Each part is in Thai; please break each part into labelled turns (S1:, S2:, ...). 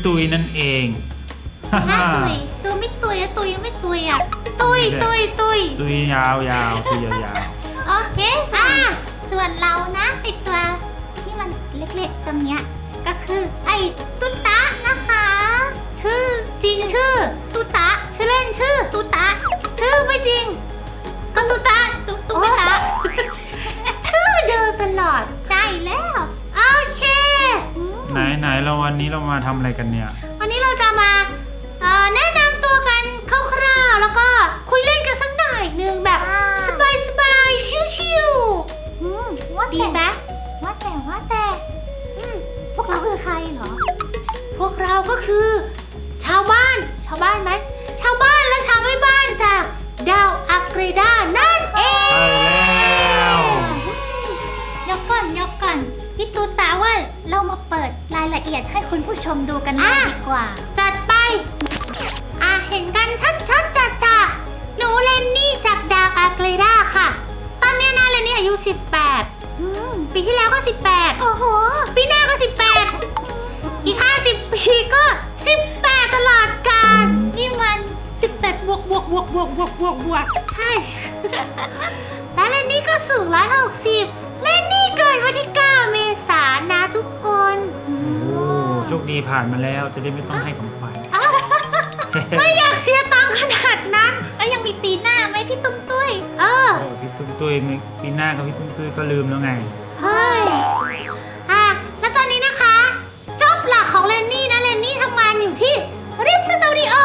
S1: ตุยนั่นเอง
S2: ถ้าตุยไม่ตุยตุยไม่ตุยอ่ะตุย
S1: ยาวตุยยาว
S2: โอเคส่วนเรานะไอตัวที่มันเล็กๆตรงเนี้ยก็คือไอตุ๊ตะนะคะชื่อจริงชื่อตุ๊ตะชื่อเล่นชื่อตุ๊ตะชื่อไม่จริงก็ตุ๊ตะตุ๊ตะชื่อเดิมตลอดใช่แล้วโอเค
S1: ไหนเราวันนี้เรามาทำอะไรกันเนี่ย
S2: วันนี้เราจะมาแนะนำตัวกันคร่าวๆแล้วก็คุยเล่นกันสักหน่อยนึงแบบสบายๆชิวๆดีไหมว่าแต่พวกเราคือใครเหรอพวกเราก็คือชาวบ้านไหมชาวบ้านและชาวไม่บ้านจากดาวอักเรดานั่นเอง
S1: ใช่แล้ว
S2: ยกก่อนพี่ตูตาว่าเรามาเปิดรายละเอียดให้คุณผู้ชมดูกันเลยดีกว่าจัดไปเห็นกันชัดจัดหนูเลนนี่จากดาวอักเรดาค่ะตอนนี้นะเลนนี่อายุ18ปีที่แล้วก็18โอ้โหปีหน้าก็18อีก50ปีก็18ตลอดกาลนี่มัน18บวกใช่แล้วเลนนี่ก็สูง160เลนนี่เกิดวันที่9เมษายนนะทุกคน
S1: โชคดีผ่านมาแล้วจะได้ไม่ต้องให้ของขวัญ
S2: ไม่อยากเสียตังค์ขนาดนั้นแล้วยังมีปีหน้าไหมพี่ตุ้มตุ้ย
S1: พี่ตุ้มตุ้ยปีหน้ากับพี่ตุ้มตุ้ยก็ลืมแล้วไง
S2: เฮ้ยแล้วตอนนี้นะคะจ็อบหลักของเลนนี่นะเลนนี่ทำงานอยู่ที่ริปสตูดิโอ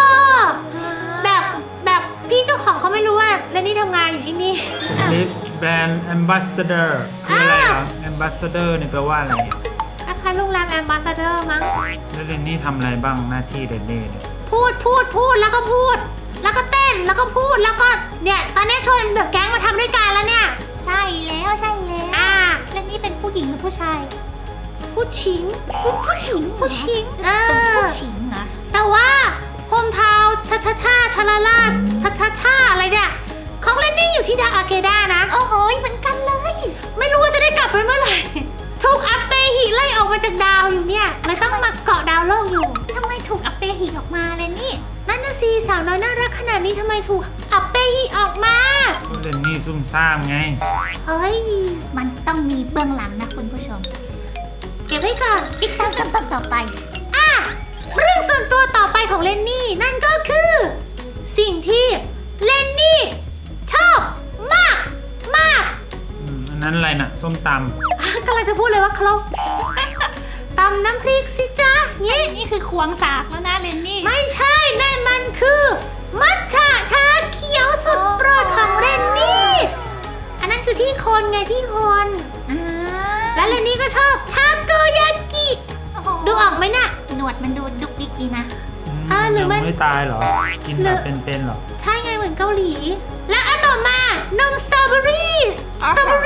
S2: แบบพี่เจ้าของเขาไม่รู้ว่าเลนนี่ทำงานอยู่ที่นี่
S1: ริปแบรนด์แอมบาสเดอร์คืออะไรเหรอแอมบาสเดอร์เนี่ยแปลว่าอะไร
S2: คล้ายๆโรงแรมแอมบาสเดอร์มั้ง
S1: แล้วเลนนี่ทำอะไรบ้างหน้าที่เลนนี่เนี่ย
S2: พูดแล้วก็พูดแล้วก็เต้นแล้วก็พูดแล้วก็เนี่ยตอนนี้ชวนเดอะแก๊งมาทำด้วยกันแล้วเนี่ยใช่แล้วแล้วนี่เป็นผู้หญิงหรือผู้ชายผู้ชิงเป็นผู้ชิงเหรอแต่ว่าโฮมทาวน์ชาลาลาชาอะไรเนี่ยของเลนนี่อยู่ที่ดาวอาเกดานะโอ้โหเหมือนกันเลยไม่รู้ว่าจะได้กลับไปเมื่อไหร่ถูกอัปเปหิไล่ออกมาจากดาวอยู่เนี่ยเลยต้องมาเกาะดาวโลกอยู่ทำไมถูกอัปเปหิออกมาเลยนี่นั่นน่ะสิสาวน้อยน่ารักขนาดนี้ทำไมถูกอัปเปหิออกมา
S1: เลนนี่ซุ่มซ่ามไง
S2: เฮ้ยมันต้องมีเบื้องหลังนะคุณผู้ชมเก็บไว้ก่อนติดตามชมตอนต่อไปเรื่องส่วนตัวต่อไปของเลนนี่นั่นก็คือสิ่งที่เลนนี่ชอบมาก
S1: อันนั้นอะไรน่ะส้มต
S2: ำกำลังจะพูดเลยว่าครกตำน้ำพริกสิจ๊ะนี่คือควงสากแล้วนะเลนนี่ไม่ใช่นั่นมันคือมัทฉะชาเขียวสุดโปรดของเลนนี่อันนั้นคือที่คนไงที่คนแล้วเลนนี่ก็ชอบทาโกยากิดูออกไหมน่ะหนวดมันดูดุกดิกดีนะ
S1: หรือมันไม่ตายเหรอกินแบบเป็นๆหรอ
S2: ใช่ไงเหมือนเกาหลีแล้วอันต่อมานมสตรอเบอรี่นมสตรอเบอ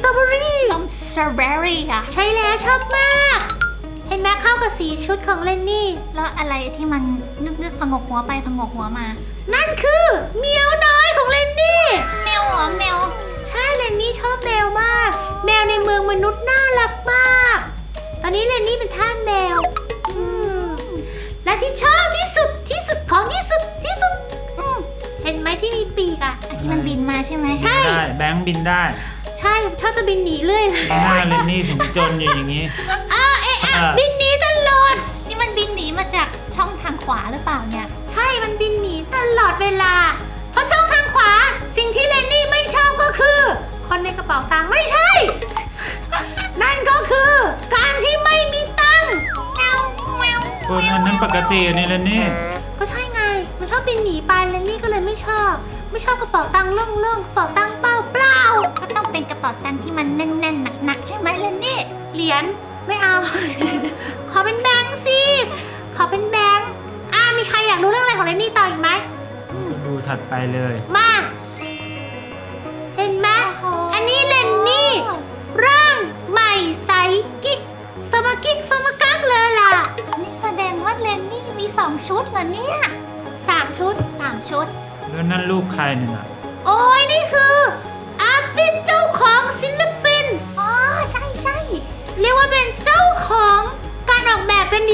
S2: รี่ค่ะใช่แล้วชอบมากเห็นไหมเข้ากับสีชุดของเลนนี่แล้วอะไรที่มันนึกผงกหัวไปผงกหัวมานั่นคือแมวน้อยของเลนนี่แมวเหรอแมวใช่เลนนี่ชอบแมวมากแมวในเมืองมนุษย์น่ารักมากตอนนี้เลนนี่เป็นทาสแมวและที่ชอบที่สุดของที่สุดเห็นไหมที่มีปีกที่มันบินมาใช่ไหมใช่
S1: แบงค์บินได้
S2: ใช่ชอบจะบินหนีเรื่อยเลย
S1: หน้าเลนนี่ถึงจนอย่างนี้
S2: บินหนีตลอดนี่มันบินหนีมาจากช่องทางขวาหรือเปล่าเนี่ยใช่มันบินหนีตลอดเวลาเพราะช่องทางขวาสิ่งที่เลนนี่ไม่ชอบก็คือคนในกระเป๋าตังค์ไม่ใช่ นั่นก็คือการที่ไม่มีตังค์
S1: คนอันนั้นปกตินี่เลนนี่
S2: ก็ใช่ไงมันชอบบินหนีไปเลนนี่ก็เลยไม่ชอบกระเป๋าตังค์โล่งๆกระเป๋าตังค์เปล่าก็ต้องเป็นกระเป๋าตังค์ที่มันแน่นๆหนักๆใช่ไหมเลนนี่เหรียญไม่เอา ขอเป็นแบงค์สิขอเป็นแบงค์มีใครอยากรู้เรื่องอะไรของเลนนี่ต่ออีกไหม
S1: ดูถัดไปเลย
S2: มาเห็นไหมอันนี้เลนนี่ร่างใหม่ใสกิ๊กสมกักเลยล่ะนี่แสดงว่าเลนนี่มี2ชุดเหรอเนี่ย3ชุด
S1: แล้วนั่นรูปใครเนี่ยนะ
S2: โอ้ยนี่คืออาร์ติสต์เจ้าของศิลปินใช่เรียกว่าเป็นเจ้าของการออกแบบเป็นดีไซเนอร์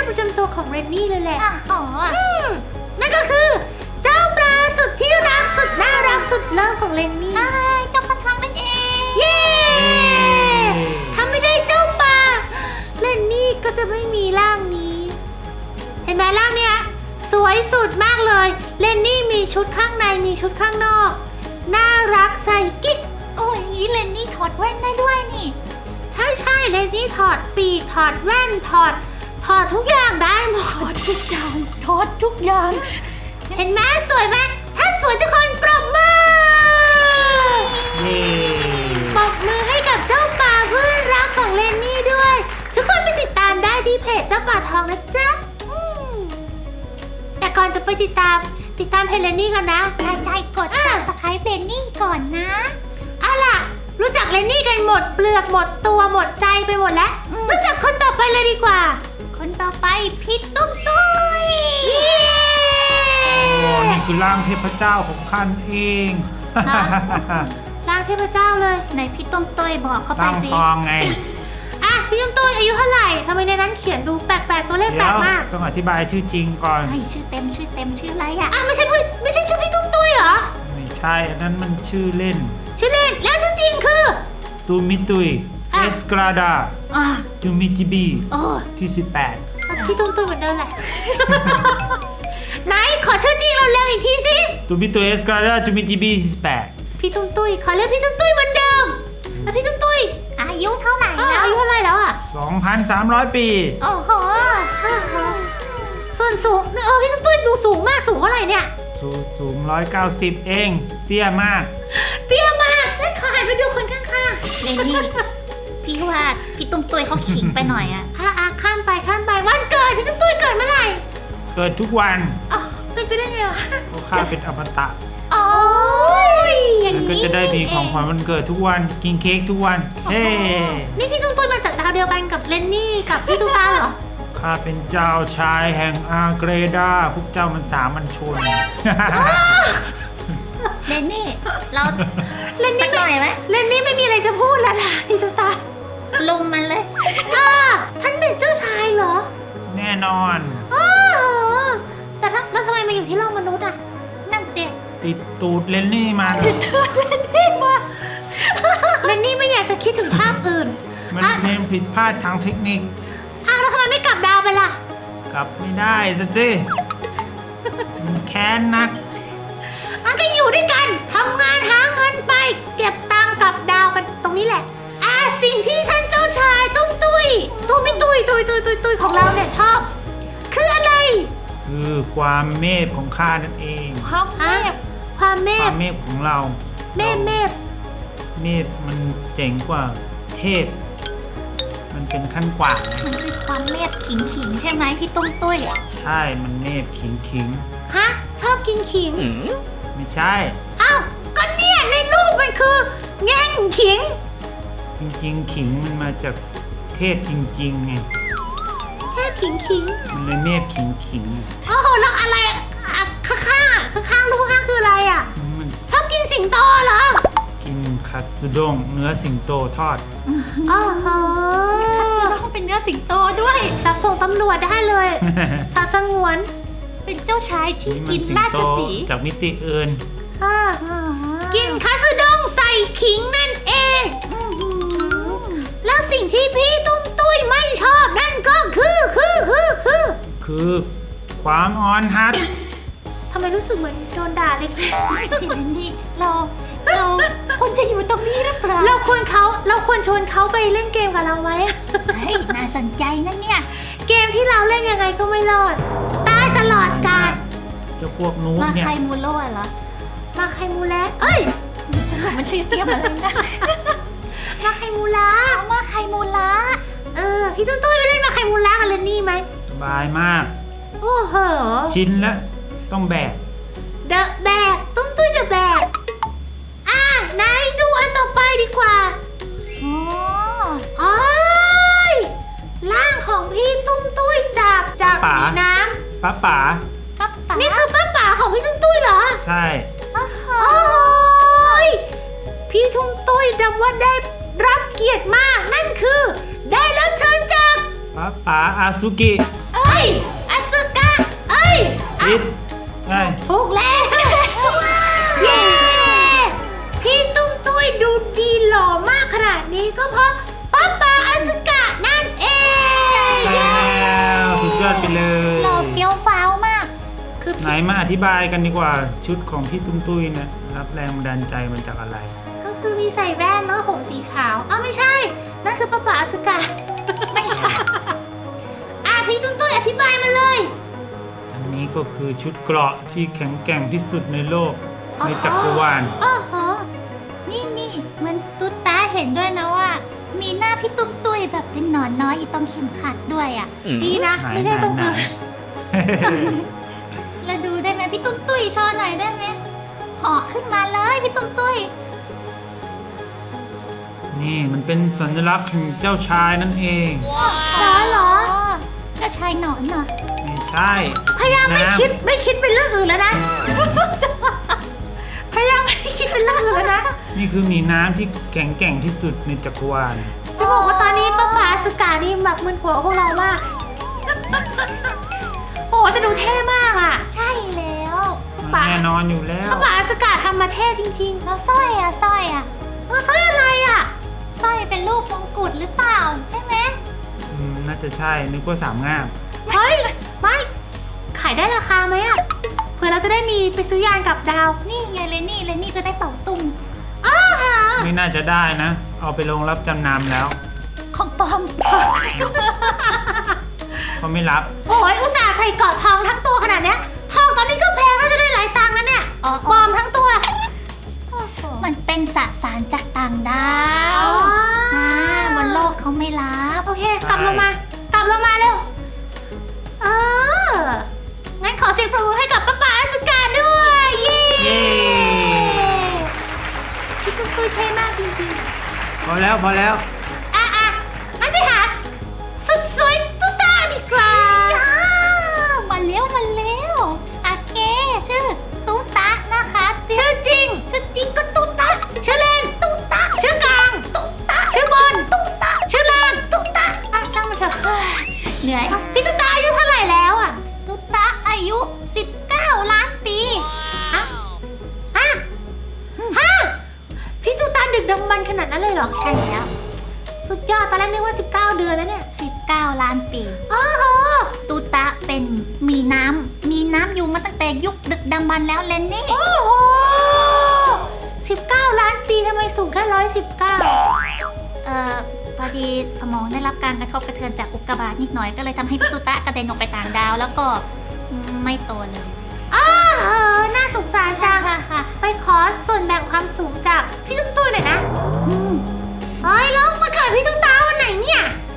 S2: ประจำตัวของเรนนี่เลยแหละ
S3: อ๋อ
S2: นั่นก็คือ เจ้าปลาสุดที่รักสุดน่ารักสุดเลิฟของเรนนี่
S3: ใช่เจ้าปลาทองนั่นเอง
S2: เย้ถ้าไม่ได้เจ้าปลาเรนนี่ก็จะไม่มีร่างนี้ เห็นไหมร่างเนี้ยสวยสุดมากเลยเรนนี่มีชุดข้างในมีชุดข้างนอกน่ารักใส่กิ๊ก
S3: โอ้ยอย่างนี้เลนนี่ถอดแว่นได้ด้วยนี่
S2: ใช่เรนนี่ถอดปีกถอดแว่นถอดทุกอย่างได้หม
S3: ถอ
S2: ด
S3: ดทุกอย่างถอดทุกอย่าง
S2: เห็นไหมสวยไหมถ้าสวยทุกคนปรบมือ
S1: เย้
S2: ปรบมือให้กับเจ้าป่าเพื่อนรักของเรนนี่ด้วย ทุกคนไปติดตามได้ที่เพจเจ้าป่าทองนะจ๊ะแต่ก่อนจะไปติดตามเพจเรนนี่กันนะ
S3: ใจกด subscribe เลนนี่ก่อนนะ
S2: เอาล่ะ รู้จักเรนนี่กันหมดเปลือกหมดตัวหมดใจไปหมดแล้ว รู้จักคนต่อไปเลยดีกว่า
S3: คนต่อไปพี่ตุ้มตุ้ย
S2: เย้
S1: โอ้นี่คือร่างเทพเจ้าของข้าเอง
S2: ร่างเทพเจ้าเลย
S3: ไหนพี่ตุ้มตุ้ยบอกเขาไป
S1: ร่าง
S3: สิ
S1: ทองไง
S2: อ่ะพี่ตุ้มตุ้ยอายุเท่าไหร่ทำไมในนั้นเขียนดูแปลกๆตัวเลขแปล
S1: เดี๋ย
S2: ก
S1: ว
S2: มาก
S1: ต้องอธิบายชื่อจริงก่อน
S3: เฮ้ยชื่อเต็มชื่ออะไรอ่ะ
S2: อ่ะไม่ใช่ชื่อพี่ตุ้มตุ้ยเหรอ
S1: ไม่ใช่อันนั้นมันชื่อเล่น
S2: ชื่อเล่นแล้วชื่อจริงคือ
S1: ตูมิตุย
S2: อ่ะ
S1: เอสกราดา
S3: อ่ะ
S1: จูมิจิบี
S3: โอ้
S1: ที่
S2: พี่ตุ้มตุ้ยเหมือนเดิมแหละ ไหนขอชื่อจริงเราเร็วๆอีกทีสิ
S1: 18ตูมิตุยเอสกราดาจูมิจิบีที่18
S2: พี่ตุ้มตุ้ยขอเรียกพี่ตุ้มตุ้ยเหมือนเดิมแล้วพี่ตุ้มตุ้ย
S3: อายุเท่าไหร่แล้ว
S2: อายุเท่าไหร่แล้วอ่ะ
S1: 2,300 ปี
S3: โอ้โห
S2: ส่วนสูงพี่ตุ้มตุ้ยดูสูงมากสูงเท่าไหร่เนี่ย
S1: สูง190 เอง เตี้ยมาก
S2: เปี้ยมากงั้นขอหันไปดูคนข้าง
S3: เลนนี่พี่ว่าพี่ตุ้มตุ้ยเขาขิงไปหน่อยอ่ะ
S2: ๆข้ามไปวันเกิดพี่ตุ้มตุ้ยเกิดเมื่อไหร่
S1: เกิดทุกวัน
S2: อ๋อเป็นไปได้ไงวะ
S1: เพราะข้าเป็นอมตะ
S3: โอ้ยอย่าง
S1: แล้วก็
S3: นี้
S1: จะได้มีของขวัญวันเกิดทุกวันกินเค้กทุกวัน เฮ้
S2: นี่พี่ตุ้มตุ้ยมาจากดาวเดียวกันกับเลนนี่กับพี่ตุ๊กตาเหรอ
S1: ข้าเป็นเจ้าชายแห่งอาเกรดาพวกเจ้ามันสามัญชน
S3: เลนนี่เรา
S2: เลน
S3: สั
S2: นี่
S3: กหน่อยไหม
S2: เลนนี่ไม่มีอะไรจะพูดแล้วล่ะพี่ตุ๊กตา
S3: ลุมมันเลย
S2: ท่านเป็นเจ้าชายเหรอ
S1: แน่นอน
S2: อ๋อแต่แล้วทำไมมาอยู่ที่โลกมนุษย์อ่ะ
S3: นั่นเสีย
S1: ติดตูดเลนนี่มา
S2: เลนนี่ไม่อยากจะคิดถึงภาพอื่น
S1: มันเป็นผิดพลาดทางเทคนิค
S2: แล้วทำไมไม่กลับดาวไปล่ะ
S1: กลับไม่ได้สิมันแค้นนัก
S2: ก็อยู่ด้วยกันทำงานหาเงินไป เก็บตังค์กลับดาวกันตรงนี้แหละ สิ่งที่ท่านเจ้าชายตุ้มตุ้ยไม่ตุ้ยของเราเนี่ยชอบ คืออะไร
S1: คือความเมพของข้านั่นเอง
S3: ความเมฆ
S2: ความเม
S1: ควา
S2: ฆ
S1: มเมพของเรา
S2: เมฆ
S1: เมพมันเจ๋งกว่าเทพ มันเป็นขั้นกว่า
S3: มันคือความเมฆขิงใช่ไหมพี่ตุ้มตุ้ย
S1: ใช่มันเมพขิง
S2: ฮะชอบกินขิง
S1: ไม่ใช่
S2: อ้าวก็เนี่ยในรูปมันคือแง่งขิง
S1: จริงๆขิงมันมาจากเทพจริงๆไง
S2: แค่ขิง
S1: มันเลยเมพขิง
S2: โอ้โหแล้วอะไรข้างรูปข้างคืออะไรอ่ะ
S1: มัน
S2: ชอบกินสิงโตเหรอ
S1: กินคัตสึด้งเนื้อสิงโตทอด
S2: โอ้โห
S3: คัตสึด้งเป็นเนื้อสิงโตด้วย
S2: จับส่งตำรวจได้เลย สัตว์สงวน
S3: เป็นเจ้าชายที่
S1: นี่มั
S3: กิน
S1: สิง
S3: รา
S1: โต
S3: ชสีห์
S1: จากมิติอื่น
S2: อ่า
S3: อ่า
S2: กินคัตสึด้งใส่ขิงนั่นเอง
S3: อื้อหือ
S2: แล้วสิ่งที่พี่ตุ้ยไม่ชอบนั่นก็คือ
S1: คือความอ่อนหัด
S2: ทำไมรู้สึกเหมือนโดนด่าเล็ก
S3: สิเลนนี่เราควรจะอยู่ตรงนี้หรือเปล่า
S2: ๆเราควรชวนเขาไปเล่นเกมกับเราไหม
S3: เฮ้ยน่าสนใจนะเนี่ย
S2: เกมที่เราเล่นยังไงก็ไม่รอด ตายตลอดกาล
S1: เจ้าพวกนูบ
S3: มา
S1: เนี่ย
S3: ใครมูโร่เหรอ
S2: มาไคมูระเอ้ย
S3: สรุปมันชื่อเทียบอะไรนะ
S2: มาไคมูระ
S3: เอามาใครมูละ
S2: พี่ตุ้ยไปเล่นมาไคมูระกับเลนนี่ไหม
S1: สบายมาก
S2: โอ้โห
S1: ชิ้นละต้องแบก
S2: เดอะแบกตุ้ยเดอะแบกไหนดูอันต่อไปดีกว่า
S3: อ๋อ
S2: โอ้ยร่างของพี่ตุ้ยจาก
S1: ป๋า
S2: มีน้
S1: ป้าป๋า
S3: ปั๊บปั๊บ
S2: ำนี่คือป้าป๋าของพี่ตุ้ยเหรอ
S1: ใช่
S3: อ้าว
S2: โอ้ยพี่ตุ้ยดำว่าได้รับเกียรติมากนั่นคือ ได้รับเชิญจาก
S1: ปป้าป๋าอาซุกิ
S3: เอ้ยอสุกะ
S2: เอ้ย
S1: ผิดใช่
S2: ถูกแล้วเย้พี่ตุ้มตุ้ยดูดีหล่อมากขนาดนี้ก็เพราะป้าป๋าอาสึกะนั่นเอง
S1: ใช่แล้วสุดยอดไปเลย
S3: หล่อเฟี้ยวฟ้าวมาก
S2: คือ
S1: ไหนมาอธิบายกันดีกว่าชุดของพี่ตุ้มตุ้ยนะรับแรงบันดาลใจมันจากอะไร
S2: ก็คือมีใส่แว่นแล้วผมสีขาวอ้าวไม่ใช่นั่นคือป้าป๋าอาสึกะ
S3: ไม่ใช่
S2: พี่ตุ้มตุ้ยอธิบายมาเลย
S1: อันนี้ก็คือชุดเกราะที่แข็งแกร่งที่สุดในโลก
S2: อ๋อ
S1: ในจักรวาล
S3: โอ้โหนี่มันตุ๊ดตาเห็นด้วยนะว่า มีหน้าพี่ตุ้มตุ้ยแบบเป็นหนอนน้อยอยู่ตรงเข็มขัดด้วยอ่ะ
S2: ดีนะ
S1: ไหน
S2: ไม่ใช่ตรง
S1: ไหน
S2: อื่น
S3: เราดูได้ไหมพี่ตุ้มตุ้ยโชว์หน่อยได้ไหมเหาะขึ้นมาเลยพี่ตุ้มตุ้ย
S1: นี่มันเป็นสัญลักษณ์ของเจ้าชายนั่นเอง
S2: เหรอ
S3: เจ้าชายหนอนเหรอ
S1: ไม่ใช่
S2: พยายามไม่
S1: น้ำ
S2: คิดเป็นเรื่องอื่นแล้วนะ พยายามไม่คิดเป็นเรื่องอื่นแล้วนะ
S1: นี่คือหมีน้ำที่แข็งแกร่งที่สุดในจักรวาล
S2: จะบอกว่าตอนนี้ป้าป๋าอาสึกะนี่แบบมึนหัวพวกเรามาก โอ้แต่ดูเท่มากอ่ะ
S3: ใช่แล้ว
S2: ป่ะ
S1: แน่นอนอยู่แล้ว
S2: ป้าป๋าอาสึกะทำมาเท่จริง
S3: แล้วสร้อยอ่ะ
S2: ๆสร้อยอะไรอ่ะ
S3: สร้อยเป็นรูปมงกุฎหรือเปล่าใช่ไหม
S1: น่าจะใช่นึกว่าสามงาม
S2: เฮ้ย ไม่ขายได้ราคาไหมอ่ะเผื่อเราจะได้มีไปซื้อยานกับดาว
S3: นี่ไงเลนี่จะได้เป่าตุง
S2: อ้าวหา
S1: ไม่น่าจะได้นะ เอาไปลงรับจำนำแล้ว
S3: ของปลอม
S1: เขาไม่รับ
S2: โอ้ยอุตส่าห์ใส่เกราะทองทั้งตัวขนาดเนี้ยทองตอนนี้ก็แพงแล้วจะได้หลายตังค์นะเนี่ย
S3: อ๋อ
S2: ปลอมทั้งตัว
S3: มันเป็นสสารจากต่างดา
S2: อ๋
S3: ว
S2: อ
S3: บนโลกเขาไม่รับ
S2: โอเค กลับลงมา กลับลงมาเร็ว งั้นขอเสียงปรบมือให้กับป้าป๋าอาสึกะด้วย เย้
S1: เย้
S2: พี่ตุ้มตุ้ยเท่มากจริง
S1: พอแล้วพอแล้ว
S2: ๆงั้นไปหาสุดสวยตุ๊ตาดีกว่า
S3: มาเร็วโอเคชื่อตุ๊ตะนะคะ
S2: ชื่อจริง
S3: ชื่อจริงก็ตุ๊ตะ
S2: ชื่อเล่น
S3: ตุ๊ตะ
S2: ชื่อกลาง
S3: ตุ๊ตะ
S2: ชื่อบน
S3: ตุ๊ตะ
S2: ชื่อล่าง
S3: ตุ๊ตะ
S2: ช่างมันเถอะ
S3: เหนื่อย
S2: พี่ตุ๊ตาอายุเท่าไหร่แล้วอ่ะ
S3: ตุ๊ตะอายุ 19 ล้านปี
S2: ฮะพี่ตุ๊ตาดึกดำบรรพ์ขนาดนั้นเลยเหรอ
S3: ใช่แล้ว
S2: สุดยอด ตอนแรกนึกว่า 19 เดือนแล้วเนี่ย
S3: 19 ล้านปี
S2: โอ้โห
S3: ตุ๊ตะเป็นมีน้ำอยู่มาตั้งแต่ยุคดึกดำบรรพ์แล้วเลนนี่
S2: โอ้โห 19 ล้านปีทำไมสูงแค่119
S3: พอดีสมองได้รับการกระทบกระเทือนจากอุกกาบาตนิดหน่อยก็เลยทำให้พี่ตุ๊ตะกระเด็นออกไปต่างดาวแล้วก็ไม่โตเลย
S2: อ้าวน่าสงสารจัง
S3: ค่ะ
S2: ไปขอส่วนแบ่งความสูงจากพี่ตุ้มตุ้ยหน่อยนะ
S3: อืม
S2: เฮ้ยแล้วมาเกิดพี่ตุ้มตาวันไหนเนี่ย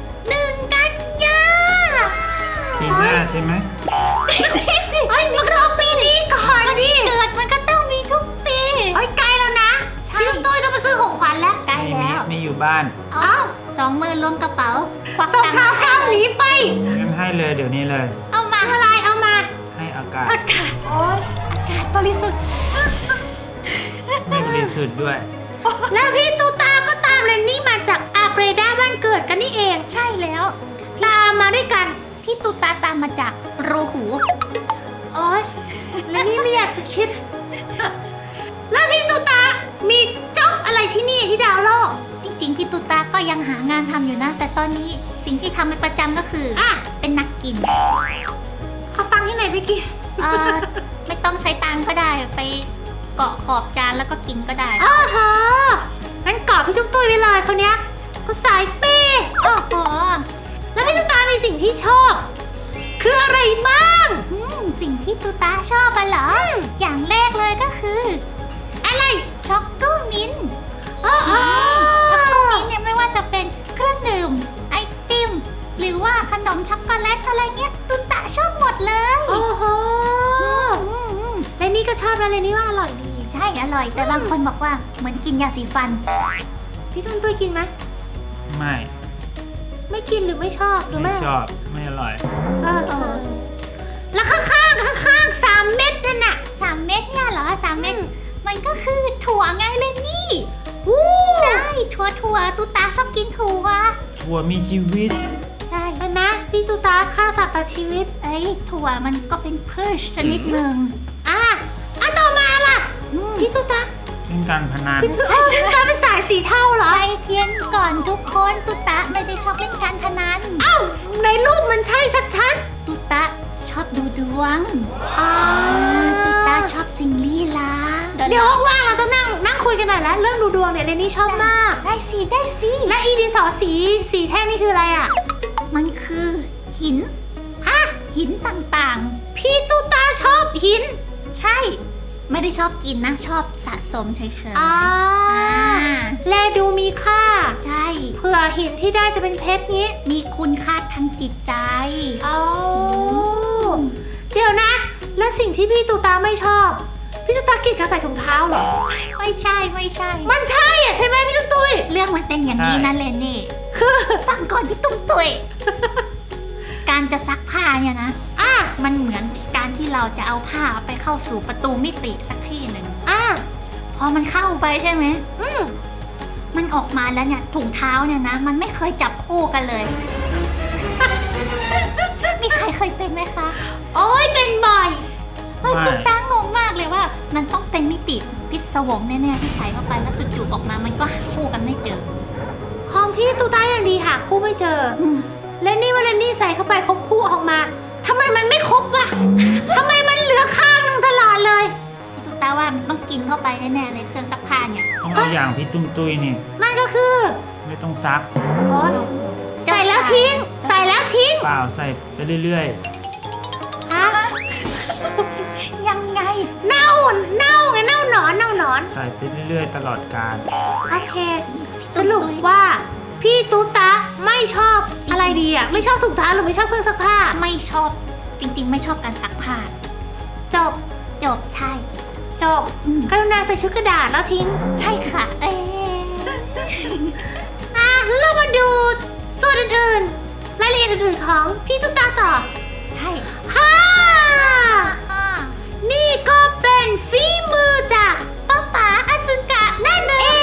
S3: 1 กันยา
S1: ปีหน้าใช่ไหม
S2: เฮ้ยมันก็ต้องปีนี้ก่อนดิ
S3: เกิดมันก็ต้องมีทุกปี
S2: เฮ้ยใกล้แล้วนะ
S3: ใช่
S2: พี่ตุ้มตุ้ยต้องมาซื้อของขวัญแล้ว
S3: ใกล้แล้ว
S1: ไม่อยู่บ้าน
S2: เอ้า
S3: 2 มือล้วงกระเป๋าควัก
S2: ส่ง
S3: ตังค์
S2: เท้ากลางหนีไป
S1: งั้นให้เลยเดี๋ยวนี้เลย
S3: เอามา
S2: อะไรเอามา
S1: ให้อากาศ
S3: อากาศ
S2: โอ๊ย
S3: บริสุทธิ์
S1: ไม่บริสุทธิ์ด้วย
S2: แล้วพี่ตูตาก็ตามเรนนี่มาจากอาเบรดาบ้านเกิดกันนี่เอง
S3: ใช่แล้ว
S2: ตามมาด้วยกัน
S3: พี่ตุ๊ตาตามมาจากรูหู
S2: โอ๊ยเรนนี่ไม่อยากจะคิด แล้วพี่ตูตามีจ็อบอะไรที่นี่ที่ดาวโลก
S3: จริงๆพี่ตุ๊ตาก็ยังหางานทำอยู่นะ แต่ตอนนี้สิ่งที่ทำเป็นประจำก็คืออ
S2: อ่ะ
S3: เป็นนักกิน
S2: เขาตังค์ที่ไหนไปกิน
S3: ไม่ต้องใช้ตังค์ก็ได้ไปเกาะขอบจานแล้วก็กินก็ได้
S2: อ้าวโหงั้นกอดพี่ตุ้มตุ้ยไปเลยคนเนี้ยก็สายเป้
S3: โอ้โห
S2: แล้วพี่ตุ้มตามีสิ่งที่ชอบ คืออะไรบ้าง
S3: สิ่งที่ตุ๊ตาชอบอะเหรอ อย่างแรกเลยก็คือ
S2: อะไร
S3: ช็อกโกมิ้นท์
S2: อ๋อ
S3: ช็อกโกมิ้นท์เนี่ยไม่ว่าจะเป็นเครื่องดื่มไอติมหรือว่าขนมช็อกโกแลตอะไรเงี้ยตุ๊ตาชอบหมดเลย
S2: โอ้โห
S3: อืม
S2: และนี่ก็ชอบนะเลยนี่ว่าอร่อยดี
S3: ใช่อร่อย แต่บางคนบอกว่าเหมือนกินยาสีฟัน
S2: พี่ตุ้มตุ้ยกินไหม
S1: ไม่
S2: ไม่กินหรือไม่ชอบหรือ
S1: ไม่
S2: ไม่
S1: ชอบ ไม่อร่อย
S2: แล้วข้างๆ3 เม็ดนั่นน่ะ
S3: 3 เม็ดเนี่ยเหรอ3 เม็ดมันก็คือถั่วไงเลยนี่
S2: วู้
S3: ใช่ถั่วตุ๊ตาชอบกินถั่ว
S1: ถั่วมีชีวิต
S3: ใช่
S2: เห็นไหมพี่ตูตาฆ่าสัตว์ตัดชีวิต
S3: เอ้ยถั่วมันก็เป็นพืชชนิดหนึ่ง
S2: อ่ะต่อมาล่ะ
S3: อืม
S2: พี่ตูตา
S1: เป็นการพนัน
S2: พี่ตูตาพี่ตูตาเป็นสายสีเทาเหรอ
S3: ใจเย็นก่อนทุกคนตุตะไม่ได้ชอบเล่นการพนัน
S2: เอ้าในรูปมันใช่ชัด
S3: ตุตะชอบดูดวง
S2: ๆอ๋อ
S3: ตุตะชอบสิ่งลี้ลับ
S2: เดี๋ยวว่างๆเราต้องนั่งคุยกันหน่อยแล้วเรื่องดูดวงเนี่ยเรนนี่ชอบมาก
S3: ได้สิได้สิ
S2: และอีดินสอสีแท่งนี่คืออะไรอ่ะ
S3: มันคือหิน
S2: ฮะ
S3: หินต่าง
S2: พี่ตูตาชอบหิน
S3: ๆ ใช่ ไม่ได้ชอบกินนะ ชอบสะสมเฉยๆ
S2: อ่า
S3: อ่า
S2: แลดูมีค่า
S3: ใช่
S2: เผื่อหินที่ได้จะเป็นเพชรงี้
S3: มีคุณค่าทางจิตใจ
S2: อ๋อเดี๋ยวนะ แล้วสิ่งที่พี่ตูตาไม่ชอบ พี่ตูตาเกลียดการใส่ถุงเท้าเหรอ
S3: ไม่ใช่ไม่ใช่
S2: มันใช่อ่ะใช่ไหมพี่ตุ้ย
S3: เรื่องมันเป็นอย่างนี้นะเลนนี่
S2: คือ
S3: ฟังก่อนพี่ตุ้มตุยการจะซักผ้าเนี่ยนะ
S2: อ่ะ
S3: มันเหมือนการที่เราจะเอาผ้าไปเข้าสู่ประตูมิติสักที่หนึ่ง
S2: อ่ะ
S3: พอมันเข้าไปใช่ไหม
S2: อืม
S3: มันออกมาแล้วเนี่ยถุงเท้าเนี่ยนะ มันไม่เคยจับคู่กันเลย มีใครเคยเป็นไหมคะ
S2: โอ้ยเป็นบ่อย
S3: เฮ้ย
S1: ไม่
S3: ตุ๊กตางงมากเลยว่า มันต้องเป็นมิติพิศวงแน่ๆที่ใส่เข้าไปแล้วจู่ๆออกมามันก็หาคู่กันไม่เจอ
S2: ของพี่ตูตาอย่างดีหาคู่ไม่เจอ
S3: อืม
S2: และนี่ว่าเลนนี่ใส่เข้าไปครบคู่ออกมาทำไมมันไม่ครบวะ ทำไมมันเหลือข้างหนึงตลอดเลย
S3: พี่ตุ๊กตาว่ามันต้องกินเข้าไปแน่ๆเลยเครื่องซักผ้าเนี่ย
S1: ต้องเอาอย่างพี่ตุ้มตุ้ยนี่
S2: นั่นก็คือ
S1: ไม่ต้องซัก
S2: โอ๊ยใส่แล้วทิ้ง ใส่แล้วทิ้ง
S1: เปล่าใส่ไปเรื่อย
S2: ฮะ
S3: ยังไง
S2: เน่าไงเน่าหนอน
S1: ๆ ใส่ไปเรื่อยๆ ตลอดกาล
S2: โอเค สรุปว่าพี่ตูตาไม่ชอบอะไรดีอ่ะ ไม่ชอบถุงเท้าหรือไม่ชอบเครื่องซักผ้า
S3: ไม่ชอบจริงๆ ไม่ชอบการซักผ้า
S2: จบ
S3: จบใช่
S2: จบ
S3: อืม
S2: กรุณาใส่ชุดกระดาษแล้วทิ้ง
S3: ใช่ค่ะ เอ๊ะ
S2: อ่ะแล้วเรามาดูส่วนอื่นๆรายละเอียดอื่นๆของพี่ตุ๊กตาต่อ
S3: ใช่
S2: ฮ่า
S3: อ่า
S2: นี่ก็เป็นฝีมือจาก
S3: ป้าป๋าอสึกะ
S2: นั่นเอง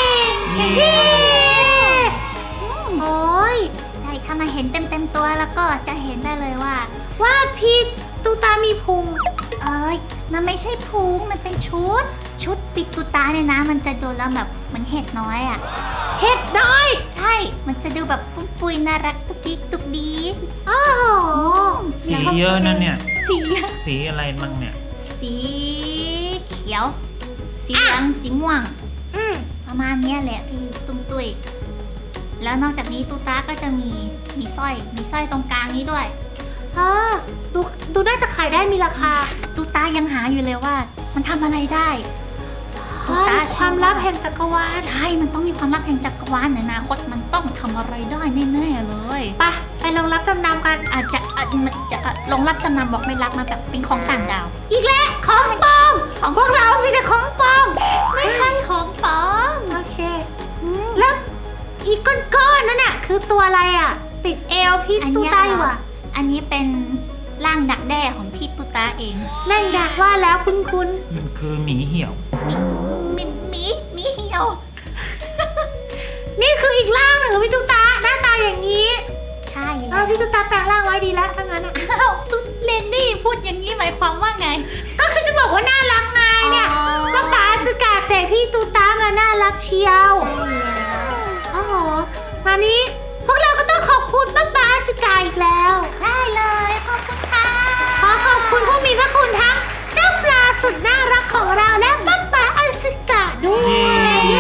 S1: นี่
S2: เย้
S3: อืม
S2: โอ้ย
S3: ใช่ถ้ามาเห็นเต็มๆตัวแล้วก็จะเห็นได้เลยว่า
S2: ว่าพี่ตุ๊กตามีพุง
S3: เอ้ยมันไม่ใช่พุงมันเป็นชุดปิดตุตาเนี่ยนะ มันจะดูแล้วแบบเหมือนเห็ดน้อยอ่ะ
S2: เห็ดน้อย
S3: ใช่ มันจะดูแบบปุ้มปุยน่ารักตุกดิกตุกดี
S2: โอ้โห
S1: สีเยอะนั่นเนี่ย
S3: สีอะ
S1: สีอะไรมั่งเนี่ย
S3: สีเขียว สีเหลือง สีม่วง
S2: อืม
S3: ประมาณเนี้ยแหละพี่ตุ้มตุยแล้วนอกจากนี้ตูตาก็จะมีสร้อยตรงกลางนี้ด้วย
S2: ดูน่าจะขายได้มีราคา
S3: ตูตายังหาอยู่เลยว่า มันทำอะไรได้ ตุ๊กตา
S2: ความลับแห่งจักรวาล
S3: ใช่ มันต้องมีความลับแห่งจักรวาลในอนาคตมันต้องทำอะไรได้แน่ๆเลย
S2: ไปลงรับจำนำกัน
S3: อาจจะลงรับจำนำบอกไม่รับมาแบบเป็นของต่างดาว
S2: อีกแล้วของปลอม
S3: ของ
S2: พวกเรามีแต่ของปลอม
S3: ไม่ใช่ของปลอม
S2: โอเค
S3: อืม
S2: แล้วอีกก้อนๆนั่นน่ะคือตัวอะไรอ่ะ ติดเอวพี่
S3: อัน
S2: ตู
S3: เนี้ย
S2: ตาอยู่อ่ะ
S3: อันนี้เป็นร่างดักแด้ของพี่ตุตาเอง
S2: นั่นอยากว่าแล้วคุ้น
S1: มันคือหมีเหี่ยว
S3: มีเหี่ยว
S2: ๆนี่คืออีกร่างหนึ่งของพี่ตูตาหน้าตาอย่างนี้
S3: ใช่
S2: พี่ตูตาแปลงร่างไว้ดีแล้วถ้างั้นอ่ะ
S3: อ้าวตุ๊ดเลนนี่พูดอย่างนี้หมายความว่าไง
S2: ก็คือจะบอกว่าน่ารักไงเนี่ย
S3: อ๋อ
S2: ป้าป๋าสกาเสกพี่ตูตามาน่ารักเชียว โอ้โหวันนี้พวกเราก็ต้องขอบคุณป้าป๋าสกาอีกแล้ว
S3: ได้เลยขอบคุณค่ะ
S2: ขอขอบคุณผู้มีพระคุณทั้งเจ้าปลาสุดน่ารักของเราและป้าป๋าอสกาด้วย
S1: เย้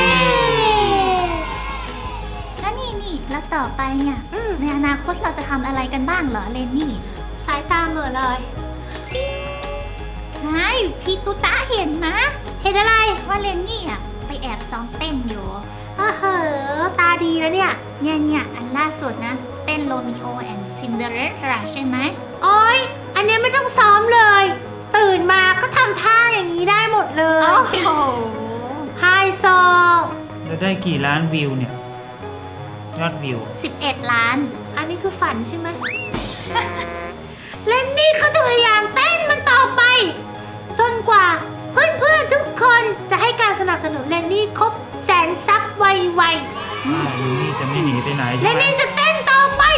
S3: แล้วนี่แล้วต่อไปเนี่ย
S2: อืม
S3: ในอนาคตเราจะทำอะไรกันบ้างเหรอเลนนี่
S2: สายตาเหม่อเลย
S3: ใช่พี่ตุตาเห็นนะ
S2: เห็นอะไร
S3: ว่าเลนนี่อ่ะไปแอบซ้อมเต้นอยู่
S2: เฮ้อตาดีแล้วเนี่ย
S3: เนี่ยอันล่าสุดนะ เต้นโรมิโอแอนด์ซินเดอเรลล่าใช่ไหม
S2: โอ๊ย อันเนี้ยไม่ต้องซ้อมเลย ตื่นมาก็ทำท่าอย่างนี้ได้หมดเลย
S3: โอ้โห
S2: ไฮโซ
S1: แล้วได้กี่ล้านวิวเนี่ย ยอดวิว
S3: 11 ล้าน
S2: อันนี้คือฝันใช่ไหม และนี่ก็จะพยายามเต้นมันต่อไป จนกว่าเพื่อนๆทุกคนจะให้การสนับสนุนเลนนี่ครบ100,000 ซับไว
S1: ลิลลี่จะไม่หนีไปไหน
S2: ๆ
S1: ใช่
S2: และ
S1: ไหม
S2: นี่จะเต้นต่อไป เต้นต่อ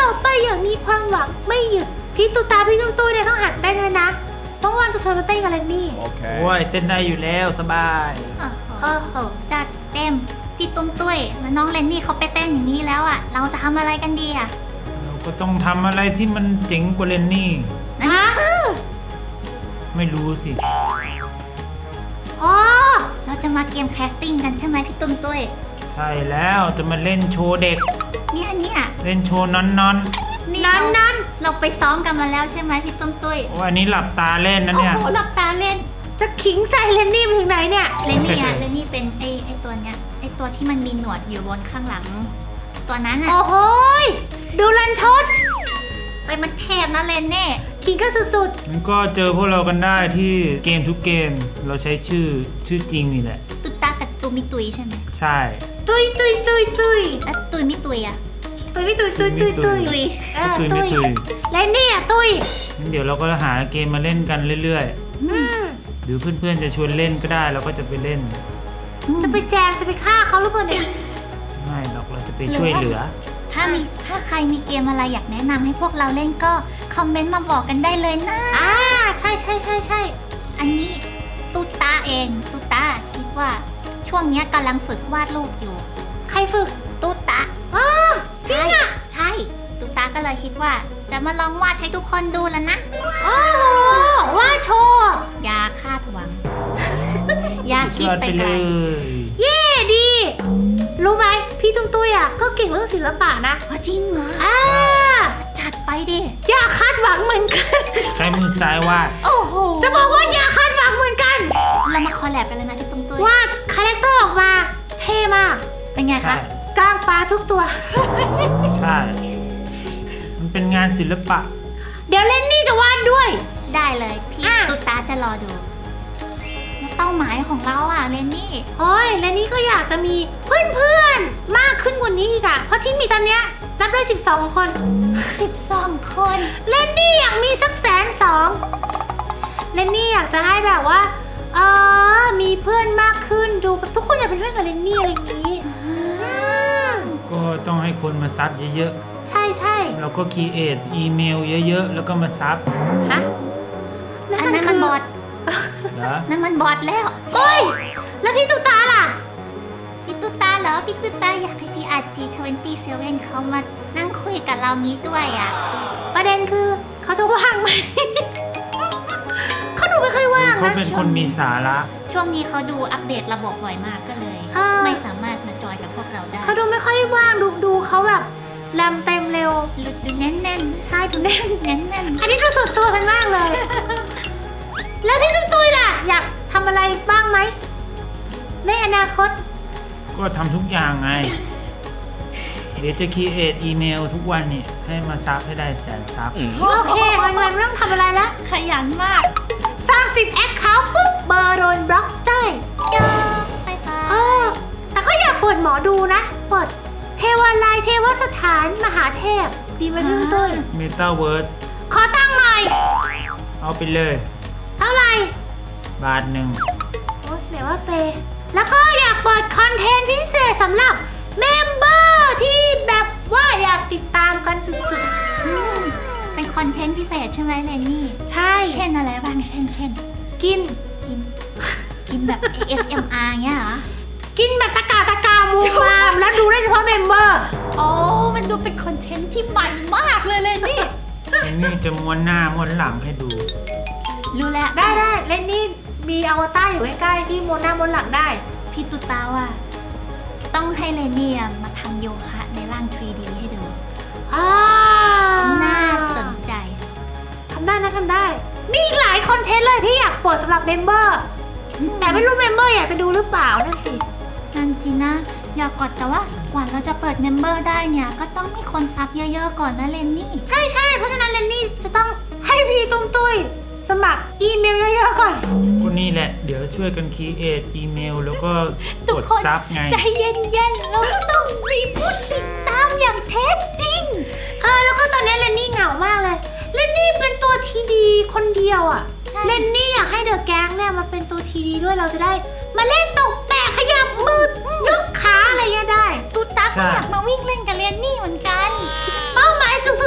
S2: ต่อไปอย่างมีความหวังไม่หยุดพี่ตุ๊ตาพี่ตุ้มตุ้ยเนี่ยต้องหัดเต้นเลยนะเพราะวันจะชวนมาเต้นกันเลยนี่
S1: โอ้ยเต้นได้อยู่แล้วสบาย
S2: โอ้โห
S3: จัดเต็มพี่ตุ้มตุ้ยแล้วน้องเลนนี่เขาไปเต้นอย่างนี้แล้วอ่ะเราจะทำอะไรกันดีอ่ะ
S1: เราก็ต้องทำอะไรที่มันเจ๋งกว่าเลนนี่
S3: นั่นก็คือ
S1: ไม่รู้สิ
S2: อ๋อ
S3: เราจะมาเกมแคสติ้งกันใช่ไหมพี่ตุ้มตุ้ย
S1: ใช่แล้วจะมาเล่นโชว์เด็ก
S3: เนี่ย
S1: เล่นโชว์นอน
S3: นี่
S2: นั้น
S3: เราไปซ้อมกันมาแล้วใช่ไหมพี่ตุ้มตุ้ย
S1: ๆโอ้อันนี้หลับตาเล่นนะ
S3: โอ้
S1: เนี่ย
S3: โหหลับตาเล่น
S2: จะขิงใส่เลนนี่ไปถึงไหนเนี่ย
S3: เลนนี่เลนนี่เป็นไอตัวเนี้ยไอตัวที่มันมีหนวดอยู่บนข้างหลัง ตัวนั้นอ่ะ
S2: โอ้โหยดูลันทด
S3: ไปมันเทพนะเลนนี่
S2: ขิงกันสุด
S1: มันก็เจอพวกเรากันได้ที่เกมทุกเกมเราใช้ชื่อจริงนี่แหละ
S3: ตุตากับตุมิตุยใช่ไหม
S1: ใช่
S2: ๆตุยตุยตุยตุย
S3: แล้วตุยมิตุยอ่ะ
S2: ตุยไม่ตุยตุยตุยตุย
S3: ตุย
S2: เออ
S1: ตุย
S2: ตุ
S1: ไม่
S2: ย
S1: ตุย
S2: เลนนี่อ่ะตุย
S1: งั้นเดี๋ยวเราก็หาเกมมาเล่นกันเรื่อย
S2: อืม
S1: ๆ หรือเพื่อนๆจะชวนเล่นก็ได้เราก็จะไปเล่น
S2: จะไปแจมจะไปฆ่าเขาหรือเปล่าเนี่ย
S1: ไม่หรอกเราจะไปช่วยเหลือ
S3: ถ้าใครมีเกมอะไรอยากแนะนำให้พวกเราเล่นก็คอมเมนต์มาบอกกันได้เลยนะ
S2: อ่าใช่ใช่ใช่ใช่
S3: อันนี้ตุตาเองตุตาคิดว่าช่วงเนี้ยกำลังฝึกวาดรูปอยู่
S2: ใครฝึก
S3: ตุตา
S2: อ๋อจริงอ่ะ
S3: ใช่ตุตาก็เลยคิดว่าจะมาลองวาดให้ทุกคนดูแล้วนะ
S2: โอ้โหว่าโชว์
S3: อย่าคาดหวัง อย่าคิดไปไกล
S2: เย่ดี รู้ไหมพี่ตุ้มตุ้ยอ่ะก็เก่งเรื่องศิลปะนะ
S3: จริงเหรอ
S2: อ่า
S3: จัดไปดิ
S2: อย่าคาดหวังเหมือนกัน
S1: ใช้มือซ้ายวาด
S3: โอ้โห
S2: จะบอกว่าอย่าคาดหวังเหมือนกัน
S3: เรามาคอลแลบกันเลยนะพี่ตุ้มตุ้ย
S2: วาดคาแรคเตอร์ออกมาเท่มาก
S3: เป็นไง
S1: ใช่
S3: คะ
S2: กล้างปลาทุกตัว
S1: ใช่ มันเป็นงานศิลปะ
S2: เดี๋ยวเล่นนี่จะวาดด้วย
S3: ได้เลยพี่
S2: อ่ะ
S3: ตุตาจะรอดูแล้วเป้าหมายของเราอ่ะเลนนี่
S2: โอ้ยและนี่ก็อยากจะมีเพื่อนๆ มากขึ้นกว่านี้อีกอะเพราะที่มีตอนเนี้ยนับได้12 คน
S3: 12 คน
S2: เล่นนี่อยากมีสัก120,000เล่นนี่อยากจะให้แบบว่ามีเพื่อนมากขึ้นดูแบบทุกคนอยากเป็นเพื่อนกับเล่นนี่อะไรอย่างนี้อืม
S1: ก็ต้องให้คนมาซับเยอะ
S2: ใช่ใช่
S1: ๆ เราก็คีเอทอีเมลเยอะๆ แล้วก็มาซับ
S2: ฮะแล้ว
S3: อันนั้นมันบอท
S1: เหรอ
S3: นั่นมันบอทแล้ว
S2: เอ้ยแล้วพี่ตุ๊กตาล่ะ
S3: พี่ตุตาเหรอพี่ตุตาอยากให้พี่อาร์จี27เขามานั่งคุยกับเรางี้ด้วยอ่ะ
S2: ประเด็นคือเขาจะว่างไหม เขาดูไม่ค่อยว่าง
S1: เขา
S2: นะ
S1: เป็นคนมีสาระ
S3: ช่วงนี้เขาดูอัปเดตระบบบ่อยมากก็เลย ไม่สามารถมาจอยกับพวกเราได้
S2: เขาดูไม่ค่อยว่างดูเขาแบบแรมเต็มเร็ว
S3: หลุดดูแน่น
S2: ใช่ดูแน่น
S3: ๆแน่น
S2: อันนี้ดูสุดตัวกันมากเลย แล้วพี่ตุ้มตุ้ยล่ะ อยากทำอะไรบ้างไหมในอนาคต
S1: ก็ทำทุกอย่างไง เดี๋ยวจะคีเอทอีเมลทุกวันนี่ให้มาซับให้ได้100,000 ซับ
S2: โอเควันๆไม่ต้องทำอะไรแล้ว
S3: ๆขยันมาก
S2: สร้าง10แอคเคาท์ปุ๊บเบอร์โดนบล็อกเจ้ย
S3: จ้าไปไป
S2: แต่ก็อยากเปิดหมอดูนะ เปิดเทวาลัยเทวสถานมหาเทพ ดีไหมพี่ตุ้มตุ้ย
S1: เมตาเวิร์ด
S2: ขอตั้งหน่อย
S1: เอาไปเลย
S2: เท่าไหร่
S1: บาทหนึ่ง
S2: โอ๊ยไหนว่าเปย์แล้วก็อยากเปิดคอนเทนต์พิเศษสำหรับเมมเบอร์ที่แบบว่าอยากติดตามกันสุด
S3: เป็นคอนเทนต์พิเศษใช่ไหมเลนนี่
S2: ๆ ใช่
S3: เช่นอะไรบ้างเช่น
S2: กิน
S3: กินแบบ ASMR เงี้ยเหรอ
S2: กินแบบตะกามูมามแล้วดูได้เฉพาะเมมเบอร์
S3: โอ้มันดูเป็นคอนเทนต์ที่ใหม่มากเลยเลนนี่
S1: อันนี้จะม้วนหน้าม้วนหลังให้ดู
S3: รู้แล้ว
S2: ได้เล่นนี่มีอวตารอยู่ใกล้ๆที่โมนหน้าบนหลังได้
S3: พี่ตุตาว่า ต้องให้เลนนี่มาทำโยคะในร่าง 3D ให้ดู น่าสนใจ
S2: ทำได้นะทำได้ มีอีกหลายคอนเทนต์เลยที่อยากเปิดสำหรับเมมเบอร์ แต่ไม่รู้เมมเบอร์อยากจะดูหรือเปล่านั่นสิ
S3: นั่นจริงนะ อยากกดแต่ว่ากว่าเราจะเปิดเมมเบอร์ได้เนี่ย ก็ต้องมีคนซับเยอะๆก่อนนะเลนนี่
S2: ใช่เพราะฉะนั้นเรนนี่จะต้องให้พี่ตุ้มตุ้ยสมัครอีเมลเยอะๆก่อน
S1: ก็นี่แหละ เดี๋ยวช่วยกันคีเอทอีเมลแล้วก็
S3: ทุ
S1: ก
S3: ก
S1: ด
S3: คน
S1: ซับไง
S3: ใจเย็นๆ เราต้องมีผู้ติดตามอย่างแท้จริง
S2: แล้วก็ตอนนี้เรนนี่เหงามากเลยเรนนี่เป็นตัวทีดีคนเดียวอ่ะ
S3: ใช่
S2: เรนนี่อยากให้เดอะแก๊งเนี่ยมาเป็นตัวทีดีด้วยเราจะได้ มาเล่นตกแปะขยับมือยกขาอะไรเงี้ยได้
S3: ตุตา
S1: ใช่
S3: ก็อยากมาวิ่งเล่นกับเลนนี่เหมือนกัน
S2: เป้าหมายสูงสุด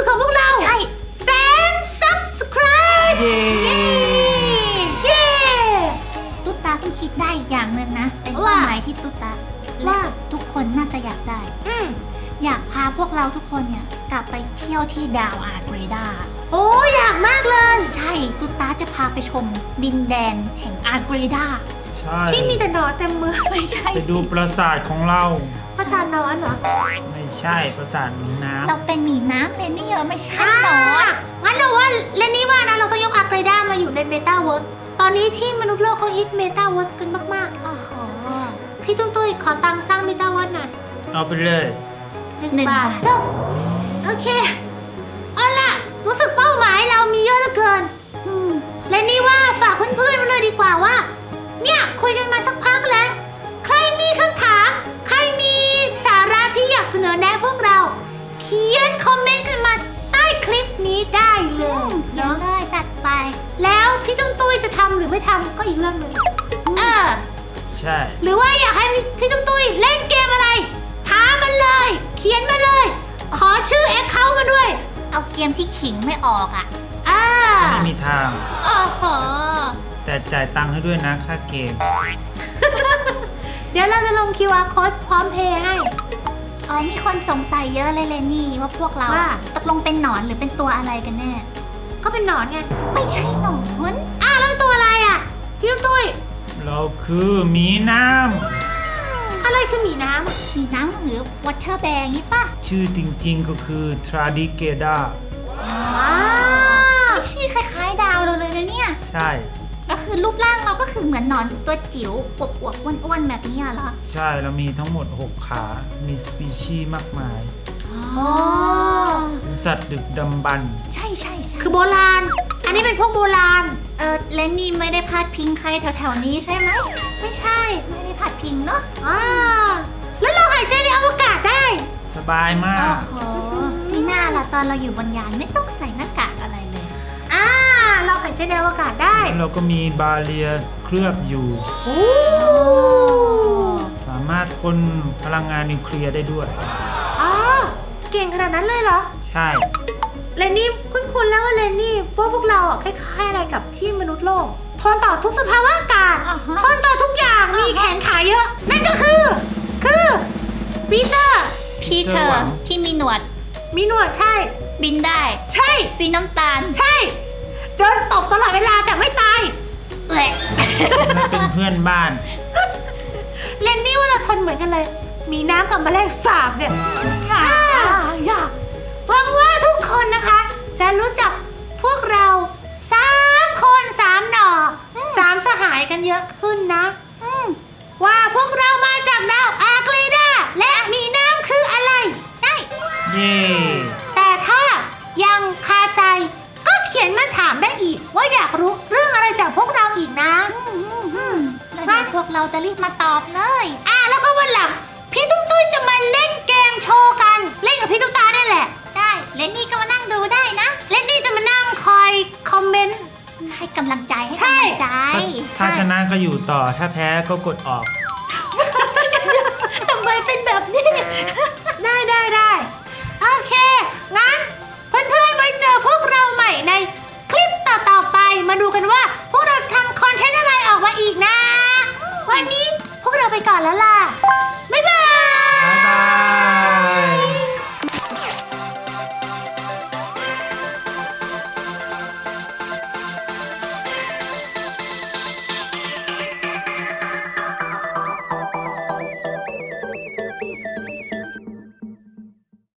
S3: ทุกคนน่าจะอยากได้ อยากพาพวกเราทุกคนเนี่ยกลับไปเที่ยวที่ดาวอาร์เกรดา
S2: โอ้อยากมากเลย
S3: ใช่ตุ๊ตาจะพาไปชมดินแดนแห่งอาร์เกรดา
S1: ใช่
S2: ที่มีแต่หนอนเต็มเมือง
S3: ไม่ใช่
S1: ไปดู
S3: สิ
S1: ปราสาทของเรา
S2: ภาษาหนอนเหรอ
S1: ไม่ใช่ปราสาทหมีน้
S3: เราเป็นหมีน้ำเลยนี่เหรอไม่ใช่
S2: อ่า
S3: หนอน
S2: งั้นเราว่าและนี่ว่านะเราต้องยกอาร์เกรดามาอยู่ในเมตาเวิร์สตอนนี้ที่มนุษย์โลกเขาฮิตเมตาเวิร์สกันมาก
S3: โอ้โห
S2: ๆ พี่ตุ้ยขอตังค์สร้างเมตาเวิร์สหน่อย
S1: ำเอาไปเลย
S2: 1 บาทจบโอเคเอาล่ะรู้สึกเป้าหมายเรามีเยอะเหลือเกิน
S3: อืม
S2: และนี่ว่าฝากเพื่อนๆมาเลยดีกว่าว่า เนี่ยคุยกันมาสักพักแล้ว ใครมีคำถาม ใครมีสาระที่อยากเสนอแนะพวกเรา เขียนคอมเมนต์กันมาใต้คลิปนี้ได้เล
S3: อื
S2: ย
S3: มเขียนเลยจัดไป
S2: แล้วพี่ตุ้ยจะทำหรือไม่ทำก็อีกเรื่องหนึ่ง
S1: ใช่
S2: หรือว่าอยากให้พี่ตุ้ยเล่นเกมอะไรท้ามันเลย เขียนมาเลย ขอชื่อแอคเคาท์มาด้วย
S3: เอาเกมที่ขิงไม่ออกอ่ะ
S1: ไม่มีทาง
S3: โอ้โห
S1: แต่จ่ายตังค์ให้ด้วยนะค่าเกม
S2: เดี๋ยวเราจะลง QR code พร้อมเพย์ให้
S3: อ๋อมีคนสงสัยเยอะเลยเลยนี่ว่าพวกเรา
S2: ว่า
S3: ตกลงเป็นหนอนหรือเป็นตัวอะไรกันแน่
S2: ก็เป็นหนอนไง
S3: ไม่ใช่หนอน
S2: แล้วเป็นตัวอะไรอ่ะพี่ตุ้ย
S1: เราคือหมีน้
S2: อะไรคือหมีน้ำอะ
S3: มีน้ำหรือวอเตอร์แบร์งี้ป่ะ
S1: ำชื่อจริงๆก็คือทราดิเกดา
S3: ชื่อคล้ายๆดาวเราเลยนะเนี่ย
S1: ใช่
S3: ก็คือรูปร่างเราก็คือเหมือนหนอนตัวจิ๋วอวบๆอ้วนๆแบบนี้เหรอ
S1: ใช่เรามีทั้งหมด 6 ขา มีสปีชีส์มากมาย
S3: อ๋อ
S1: เป็นสัตว์ดึกดำบรรพ์
S3: ใช่ใช่ใช่
S2: คือโบราณ อันนี้เป็นพวกโบราณ
S3: เลนนี่ไม่ได้พาดพิงใครแถวๆนี้ใช่ไหม
S2: ไม่ใช่
S3: ไม่ได้พาดพิงเนาะ
S2: แล้วเราหายใจในอวกาศได้
S1: สบายมา
S3: โอ้
S1: ก
S3: โหมีหน้าล่ะตอนเราอยู่บนยานไม่ต้องใส่หน้ากากอะไรเลย
S2: เราหายใจในอวกาศได้
S1: เราก็มีบาเรียเคลือบอยู่
S2: โอ้
S1: สามารถพ่นพลังงานนิวเคลียร์ได้ด้วย
S2: เก่งขนาดนั้นเลยเหรอ
S1: ใช่
S2: เลนนี่คุ้นๆแล้วว่าเลนนี่พวกเราคล้ายๆอะไรกับที่มนุษย์โลก ทนต่อทุกสภาวะอากาศ
S3: อ่าฮะ
S2: ทนต่อทุกอย่าง มีแขนขาเยอะ นั่นก็คือปีเตอร์
S3: พีเตอร์ที่มีหนวด
S2: มีหนวดใช่
S3: บินได้
S2: ใช่
S3: สีน้ำตาล
S2: ใช่ โดนตบตลอดเวลาแต่ไม่ตาย
S3: แหละ
S1: ไม่เป็นเพื่อนบ้าน
S2: เลนนี่ว่าเราทนเหมือนกันเลย มีน้ำกับแมลงสาบเนี่ยอยากหวังว่าทุกคนนะคะ จะรู้จักพวกเรา3 คน3 หน่อ3 สหายกันเยอะขึ้นนะ ว่าพวกเรามาจากดาวอาร์เกรดาและมีน้ำคืออะไร ได้
S1: เย่
S2: แต่ถ้ายังคาใจก็เขียนมาถามได้อีก ว่าอยากรู้เรื่องอะไรจากพวกเราอีกนะ
S3: แล้วเดี๋ยวพวกเราจะรีบมาตอบเลย
S2: แล้วก็วันหลังพี่ตุ้ยจะมาเล่นเกมโชว์กัน เล่นกับพี่ตุ๊กตาเนี่ยแหละ
S3: ได้เลนนี่ก็มานั่งดูได้นะ
S2: เล่นนี่จะมานั่งคอยคอมเมนต์
S3: ให้กำลังใจให้
S2: ใช่
S3: กำลังใจ
S1: ถ้าชนะก็อยู่ต่อ ถ้าแพ้ก็กดออก